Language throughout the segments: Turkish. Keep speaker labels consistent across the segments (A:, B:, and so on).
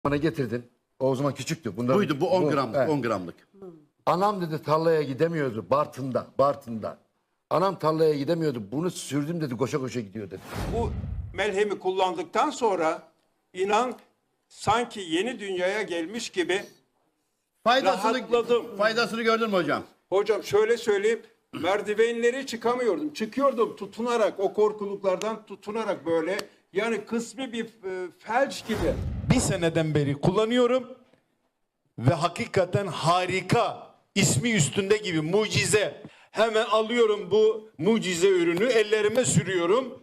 A: Bana getirdin. O zaman küçüktü. Bunların,
B: Buydu bu 10 gramlık.
A: evet.
B: 10 gramlık.
A: Anam dedi tarlaya gidemiyordu Bartın'da. Anam tarlaya gidemiyordu. Bunu sürdüm dedi, koşa koşa gidiyor dedi.
C: Bu melhemi kullandıktan sonra inan sanki yeni dünyaya gelmiş gibi rahatladım.
B: Faydasını gördün mü hocam?
C: Hocam şöyle söyleyeyim, merdivenleri çıkamıyordum. Çıkıyordum tutunarak, o korkuluklardan tutunarak böyle. Yani kısmi bir felç gibi.
D: Bir seneden beri kullanıyorum ve hakikaten harika, ismi üstünde gibi mucize. Hemen alıyorum bu mucize ürünü, ellerime sürüyorum.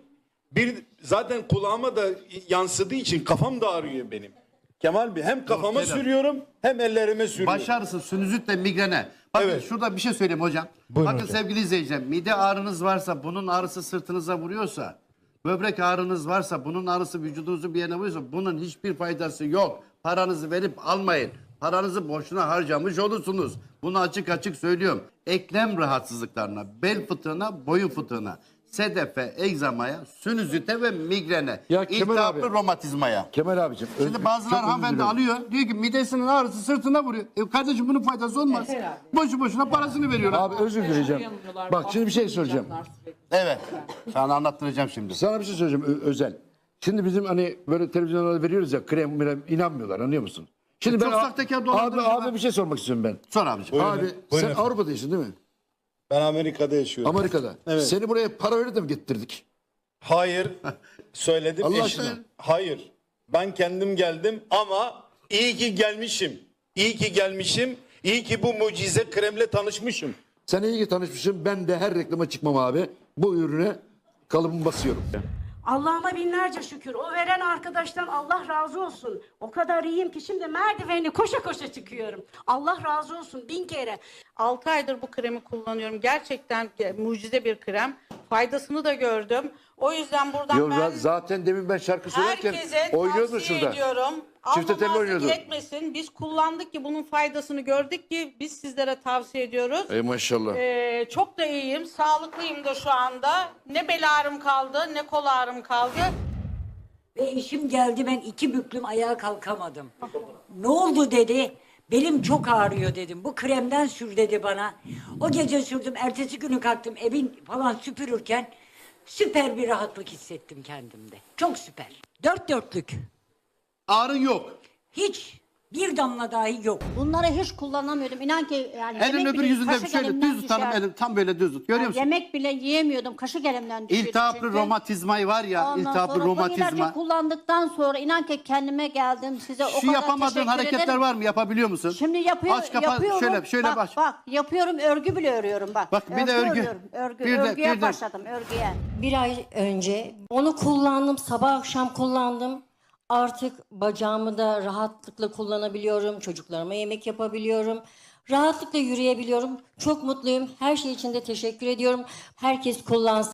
D: Zaten kulağıma da yansıdığı için kafam da ağrıyor benim. Kemal Bey, hem kafama sürüyorum hem ellerime sürüyorum.
B: Baş ağrısı, sinüzitle migrene. Bakın
D: Evet.
B: şurada bir şey söyleyeyim hocam.
D: Buyurun
B: Bakın
D: hocam.
B: sevgili izleyiciler, mide ağrınız varsa, bunun ağrısı sırtınıza vuruyorsa, böbrek ağrınız varsa, bunun ağrısı vücudunuzun bir yerine vuruyorsa, bunun hiçbir faydası yok. Paranızı verip almayın. Paranızı boşuna harcamış olursunuz. Bunu açık açık söylüyorum. Eklem rahatsızlıklarına, bel fıtığına, boyun fıtığına, sedefe, egzamaya, sinüzite ve migrene,
A: Ya Kemal
B: iltihaplı
A: abi.
B: romatizmaya.
A: Kemal abicim.
B: Şimdi bazıları hanımefendi alıyor. Diyor ki midesinin ağrısı sırtına vuruyor. Kardeşim bunun faydası olmaz. Boşu boşuna parasını veriyorlar.
A: Abi özür dileyeceğim. Bak şimdi bir şey soracağım.
B: Evet. Sana anlattıracağım şimdi.
A: Sana bir şey söyleyeceğim özel. Şimdi bizim hani böyle televizyonlarda veriyoruz ya krem inanmıyorlar, anlıyor musun? Şimdi
B: Çok sahtekar dolandırıcı var.
A: abi bir şey sormak istiyorum ben.
B: Sor abiciğim.
D: Buyurun.
A: Abi
D: Buyurun
A: sen
D: efendim.
A: Avrupa'daysın değil mi?
D: Ben Amerika'da yaşıyorum.
A: Amerika'da.
D: Evet.
A: Seni buraya para verip de mi getirdik?
D: Hayır, söyledim
A: Allah
D: eşime.
A: aşkına.
D: Hayır, ben kendim geldim ama iyi ki gelmişim. İyi ki gelmişim. İyi ki bu mucize kremle tanışmışım.
A: Sen iyi ki tanışmışsın. Ben de her reklama çıkmam abi. Bu ürüne kalıbımı basıyorum.
E: Allah'ıma binlerce şükür. O veren arkadaştan Allah razı olsun. O kadar iyiyim ki şimdi merdiveni koşa koşa çıkıyorum. Allah razı olsun 1000 kere.
F: 6 aydır bu kremi kullanıyorum. Gerçekten mucize bir krem. Faydasını da gördüm. O yüzden buradan
A: Yo,
F: ben
A: zaten demin ben şarkı söylerken
F: herkese
A: oynuyordun
F: tavsiye
A: şurada.
F: ediyorum.
A: Çifte telli
F: Almamazlık
A: oynuyordun.
F: etmesin. Biz kullandık ki bunun faydasını gördük ki biz sizlere tavsiye ediyoruz.
A: Ey maşallah.
F: Çok da iyiyim. Sağlıklıyım da şu anda. Ne bel ağrım kaldı ne kol ağrım kaldı.
G: Ve eşim geldi, ben 2 büklüm ayağa kalkamadım. Ne oldu dedi. Belim çok ağrıyor dedim. Bu kremden sür dedi bana. O gece sürdüm. Ertesi günü kalktım evin falan süpürürken süper bir rahatlık hissettim kendimde. Çok süper. Dört dörtlük.
B: Ağrın yok.
G: Hiç bir damla dahi yok.
H: Bunları hiç kullanamıyordum. İnan ki yani
B: Elin
H: yemek
B: öbür
H: bile
B: yüzünde
H: kaşık
B: şöyle
H: elimden
B: düz tutalım.
H: düşer.
B: Elin tam böyle düz tut. Görüyor
H: Yani
B: musun?
H: yemek bile yiyemiyordum. Kaşık elimden düşüyordu.
B: İltihaplı
H: çünkü.
B: romatizmayı var ya.
H: Ondan
B: İltihaplı
H: sonra bu
B: romatizma.
H: ilacı kullandıktan sonra inan ki kendime geldim. Size o
B: Şu
H: kadar
B: yapamadığın
H: teşekkür
B: hareketler
H: ederim.
B: var mı? Yapabiliyor musun?
H: Şimdi yapıyorum.
B: Aç kapat
H: yapıyorum.
B: şöyle
H: bak,
B: baş.
H: Bak yapıyorum, örgü bile örüyorum bak.
B: Bak, bir de örgü.
H: örüyorum, Örgü.
B: Bir de-
H: Örgüye
B: bir de-
H: başladım örgüye.
I: Bir ay önce onu kullandım, sabah akşam kullandım. Artık bacağımı da rahatlıkla kullanabiliyorum, çocuklarıma yemek yapabiliyorum. Rahatlıkla yürüyebiliyorum. Çok mutluyum. Her şey için de teşekkür ediyorum. Herkes kullansın.